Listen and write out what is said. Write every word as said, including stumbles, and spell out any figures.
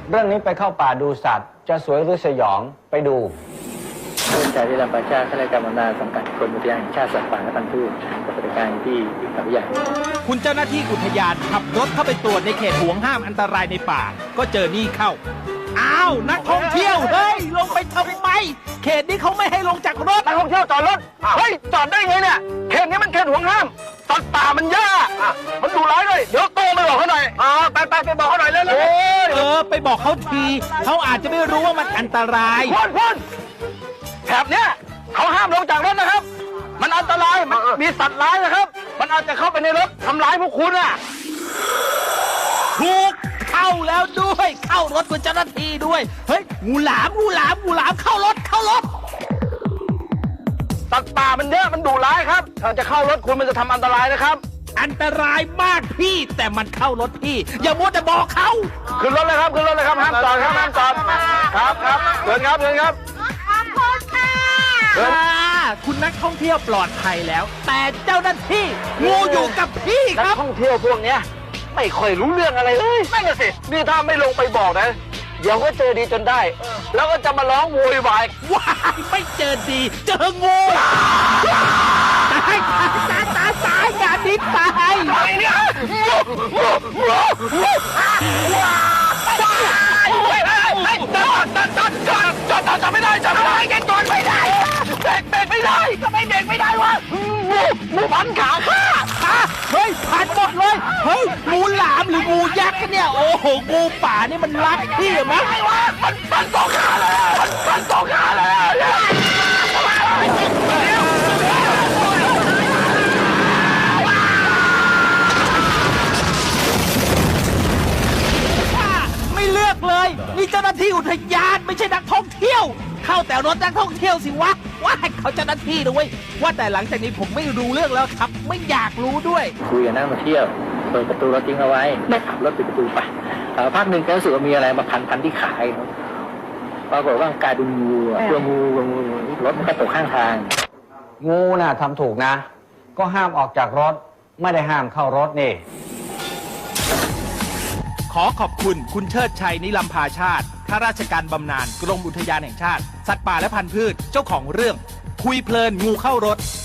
เรื่องนี้ไปเข้าป่าดูสัตว์จะสวยหรือสยองไปดูผู้จัดการลำปางชาติข้าราชการบำนาญสังกัดกรมอุทยานแห่งชาติสัตว์ป่าและพันธุ์พืชปฏิบัติการที่เขาใหญ่คุณเจ้าหน้าที่อุทยานขับรถเข้าไปตรวจในเขตห่วงห้ามอันตรายในป่าก็เจอนี่เข้าอ้าวนักท่องเที่ยวเฮ้ยลงไปทำไมเขตนี้เขาไม่ให้ลงจากรถนักท่องเที่ยวจอดรถเฮ้ยจอดได้ไงเนี่ยเขตนี้มันเขตห่วงห้ามสัตว์ป่ามันย่ามันดุร้ายด้วยเดี๋ยวโตไปบอกเขาหน่อยอ่าไปไปไปบอกเขาหน่อยเร็วเออไปบอกเขาทีเขาอาจจะไม่รู้ว่ามันอันตรายพ่นพ่นแถบเนี้ยเขาห้ามลงจากรถนะครับมันอันตรายมันมีสัตว์ร้ายนะครับมันอาจจะเข้าไปในรถทำร้ายพวกคุณอ่ะถูกเข้าแล้วด้วยเข้ารถคุณเจ้าหน้าที่ด้วยเฮ้ยงูหลามงูหลามงูหลามเข้ารถเข้ารถสัตว์ป่ามันเยอะมันดุร้ายครับถ้าจะเข้ารถคุณมันจะทำอันตรายนะครับอันตรายมากพี่แต่มันเข้ารถพี่อย่ามัวแต่บอกเขาขึ้นรถเลยครับขึ้นรถเลยครับห้ามจอดครับห้ามจอดครับครับเดินครับเดินครับขอบคุณค่ะคุณนักท่องเที่ยวปลอดภัยแล้วแต่เจ้าหน้าที่งูอยู่กับพี่ครับนักท่องเที่ยวพวกเนี้ยไม่ค่อยรู้เรื่องอะไรเลยไม่น่ะสินี่ถ้าไม่ลงไปบอกนะเดี๋ยวก็เจอดีจนได้แล้วก็จะมาร้องโวยวายว้ายไม่เจอดีเจองูตายตายตายตายตายงานนี้ตายอะไรเนี่ยงูงูงูงูจอดจอดจอดจอดจอดจอดจอดไม่ได้จอดไม่ได้แกจอดไม่ได้เบรกเบรกไม่ได้ก็ไม่เบรกไม่ได้วะงูงูพันขาข้าเฮ้ยพันหมดเลยเฮ้ยงูหลามหรืองูยักษ์เนี่ยโอ้โหงูป่านี่มันรักพี่มั้ยมันมันสองขาเลยมันมันสองขาเลยไม่เลือกเลยนี่เจ้าหน้าที่อุทยานไม่ใช่นักท่องเที่ยวเข้าแต่รถนักท่องเที่ยวสิวะว่าเขาเจ้าหน้าที่ด้วยว่าแต่หลังจากนี้ผมไม่รู้เรื่องแล้วครับไม่อยากรู้ด้วยคุยกับนักท่องเที่ยวเปิดประตูรถทิ้งเอาไว้ไม่ขับรถปิดประตูไปพักหนึ่งแกรู้สึกว่ามีอะไรมาพันพันที่ขาปรากฏว่ากลายเป็นงูตัวงูงูรถมันก็ตกข้างทางงูน่ะทำถูกนะก็ห้ามออกจากรถไม่ได้ห้ามเข้ารถนี่ขอขอบคุณคุณเชิดชัยนิลำพาชาติข้าราชการบำนาญกรมอุทยานแห่งชาติสัตว์ป่าและพันธุ์พืชเจ้าของเรื่องคุยเพลินงูเข้ารถ